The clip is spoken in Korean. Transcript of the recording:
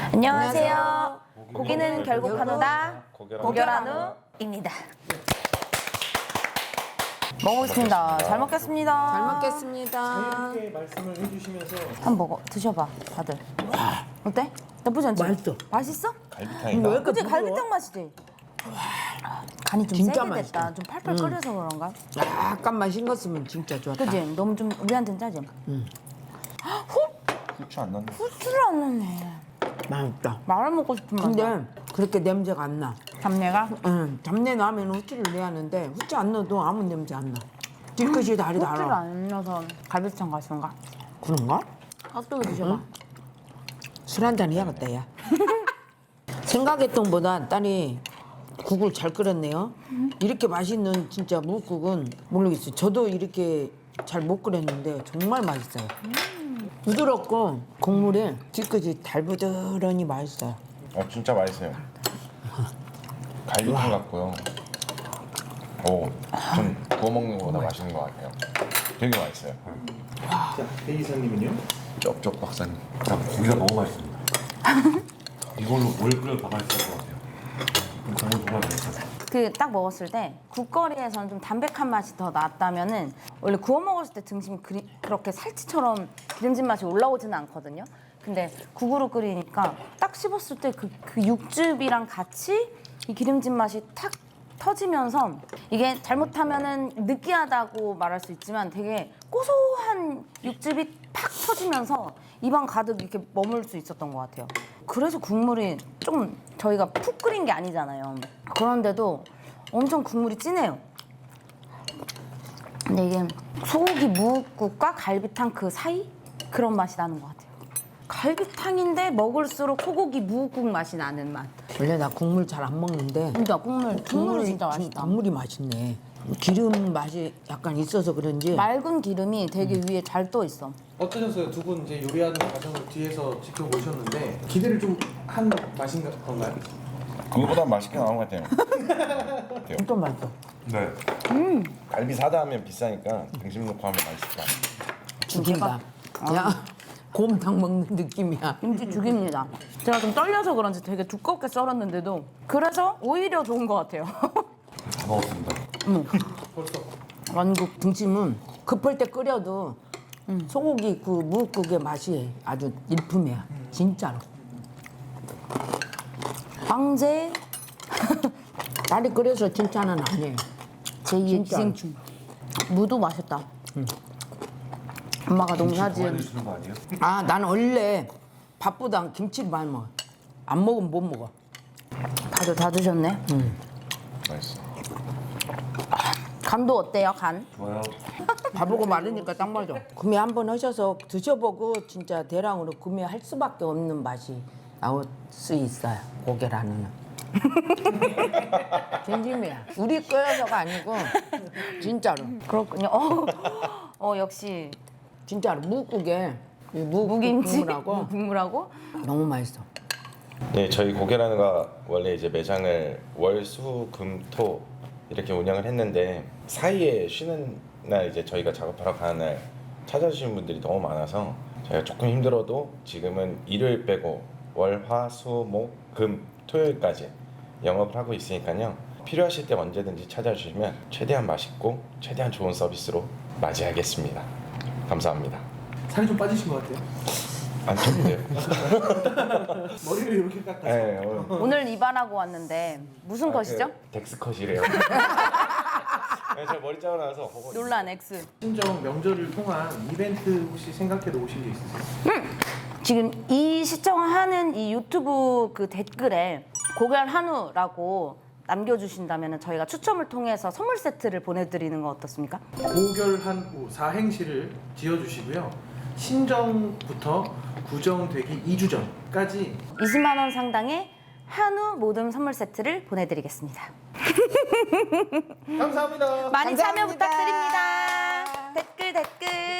안녕하세요. 고기는 결국 한우다. 고결한우입니다. 먹어보겠습니다. 잘 먹겠습니다. 잘 먹겠습니다. 자유롭게 말씀을 해주시면서 한번 먹어. 드셔봐, 다들. 어때? 나쁘지 않지? 맛있어. 맛있어? 갈비탕이다. 그치? 갈비탕 맛이지? 간이 좀 진짜 세게 맛있어. 됐다. 좀 팔팔 끓여서 그런가? 약간만 싱겁으면 진짜 좋았다. 그치? 너무 좀 우리한테는 짜지? 후추 안 넣는데. 후추를 안 넣네. 맛있다. 말아 먹고 싶은 맛이야. 근데 그렇게 냄새가 안 나. 잡내가? 잡내 나면 후추를 내야 하는데 후추 안 넣어도 아무 냄새 안 나. 뒤끝이 다리 후추를 달아. 안 넣어서 갈비탕 가시던가? 그런가? 핫도그 드셔봐. 술 한잔 해야겠다 야. 생각했던 보다 딸이 국을 잘 끓였네요. 이렇게 맛있는 진짜 무국은 모르겠어요. 저도 이렇게 잘 못 끓였는데 정말 맛있어요. 부드럽고 국물이 뒤끝이 달부드러니 맛있어요. 진짜 맛있어요. 갈비탕 같고요. 좀 구워 먹는 것보다 맛있는 것 같아요. 되게 맛있어요. 자, 배 이사님은요? 쩝쩝 박사님. 고기가 너무 맛있습니다. 이걸로 뭘 끓여도 다 맛있을 것 같아요. 정말 맛있어요. 그 딱 먹었을 때 국거리에서는 좀 담백한 맛이 더 낫다면은 원래 구워 먹었을 때 등심이 그렇게 살치처럼 기름진 맛이 올라오지는 않거든요. 근데 국으로 끓이니까 딱 씹었을 때 그 육즙이랑 같이 이 기름진 맛이 탁 터지면서 이게 잘못하면은 느끼하다고 말할 수 있지만 되게 고소한 육즙이 팍 터지면서 입안 가득 이렇게 머물 수 있었던 것 같아요. 그래서 국물이 좀 저희가 푹 끓인 게 아니잖아요. 그런데도 엄청 국물이 진해요. 근데 이게 소고기 무국과 갈비탕 그 사이? 그런 맛이 나는 것 같아요. 갈비탕인데 먹을수록 소고기 무국 맛이 나는 맛. 원래 나 국물 잘 안 먹는데 진짜 국물이 진짜 맛있다. 국물이 맛있네. 기름 맛이 약간 있어서 그런지 맑은 기름이 되게 위에 잘 떠 있어. 어떠셨어요? 두 분 이제 요리하는 과정을 뒤에서 지켜보셨는데 기대를 좀 한 맛인 건가요? 그거보다 맛있게 나온 것 같아요. 진짜 맛있어. 네. 갈비 사다 하면 비싸니까 등심 넣고 하면 맛있을 것 같아요. 죽인다. 야 곰탕 먹는 느낌이야. 김치 죽입니다. 제가 좀 떨려서 그런지 되게 두껍게 썰었는데도 그래서 오히려 좋은 것 같아요. 다 먹었습니다. 벌써. 완국. 등심은 급할 때 끓여도 소고기 그 무국의 맛이 아주 일품이야. 진짜로. 황제 딸이 끓여서 칭찬은 아니에요. 제2의 진짜로. 기생충. 무도 맛있다. 엄마가 농사지은 주는 거 아니에요? 아, 나는 원래 밥보다 김치를 많이 먹어. 안 먹으면 못 먹어. 다들 다 드셨네. 맛있어. 간도 어때요, 간? 좋아요. 밥하고 마르니까 딱 맞아. 구매 한번 하셔서 드셔보고 진짜 대량으로 구매할 수밖에 없는 맛이 나올 수 있어요. 고개라는. 진심이야. 우리 끓여서가 아니고 진짜로. 그렇군요. 역시 진짜로 무국에 이 무김치 국물하고 국물하고 너무 맛있어. 네, 저희 고개라는가 원래 이제 매장을 월, 수, 금, 토 이렇게 운영을 했는데 사이에 쉬는 날 이제 저희가 작업하러 가는 날 찾아주시는 분들이 너무 많아서 저희가 조금 힘들어도 지금은 일요일 빼고 월, 화, 수, 목, 금, 토요일까지 영업을 하고 있으니까요. 필요하실 때 언제든지 찾아주시면 최대한 맛있고 최대한 좋은 서비스로 맞이하겠습니다. 감사합니다. 살이 좀 빠지신 것 같아요. 안 쳤는데요? 머리를 이렇게 깎아서. 네, 오늘 이발하고 왔는데 무슨 컷이죠? 덱스 컷이래요. 제가 머리 자고 나서 논란 X. 신정 명절을 통한 이벤트 혹시 생각해 놓으신 게 있으세요? 지금 이 시청하는 이 유튜브 그 댓글에 고결 한우라고 남겨주신다면 저희가 추첨을 통해서 선물 세트를 보내드리는 거 어떻습니까? 고결한 사행시를 지어주시고요. 신정부터 구정되기 2주 전까지 20만 원 상당의 한우 모듬 선물 세트를 보내드리겠습니다. 감사합니다. 많이 참여 감사합니다. 부탁드립니다. 댓글.